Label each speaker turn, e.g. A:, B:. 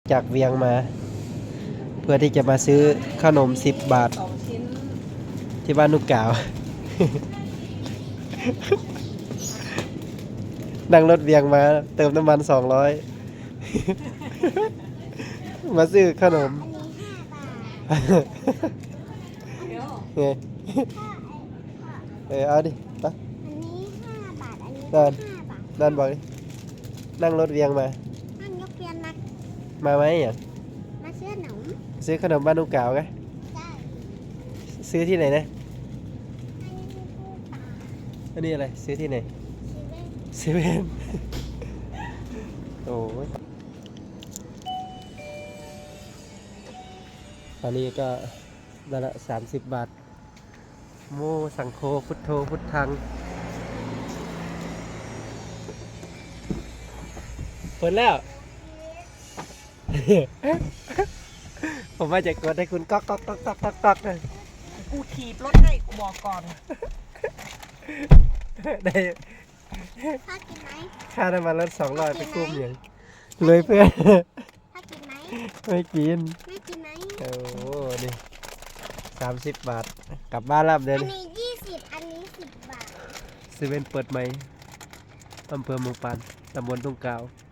A: จากเวียงมาเพื่อที่จะมาซื้อขนม10 บาทที่บ้านนุกกาว นั่งรถเวียงมาเติมน้ำมัน200 มาซื้อขนม ไงเอาดิไป
B: อันนี้5 บาท อันนี้
A: นั่น
B: 5 บาท
A: นั่นบอกดินั่งรถเวียงมา
B: นั่นยกเรียนนัก
A: มาไหมอ่ะ
B: มาซื้อขนม
A: ซื้อขนมบ้านนุกกาวไง
B: ได้
A: ซื้อที่ไหนนะ
B: อันนี้คือตู้ปลา
A: อันนี้อะไรซื้อที่ไหน
B: เซเว่น
A: เซเว่น โอ้ยตอนนี้ก็ได้ละ30 บาท โมสังโฆพุทโธพุทธังเปิดแล้ว ผมว่าจะกดให้คุณก๊อกก๊อกก๊อกก๊อกก๊อกก๊อกนะ
C: กูถีบรถให้กูบอกก่อน
A: ได้
B: พ่อกินไหม
A: ค่าน้ำมันรถ200ไปกุ้มอย่างเลยเพื่อน
B: พ่อกินไหม
A: ไม่กิน
B: ไม่กินไหม
A: โอ้โหนี่30 บาท กลับบ้านรับเดิ
B: อั
A: น
B: นนี้20 อันนี้10 บาท
A: เซเว่นเปิดใหม่อำเภอเมืองปานตำบลทุ่งกาว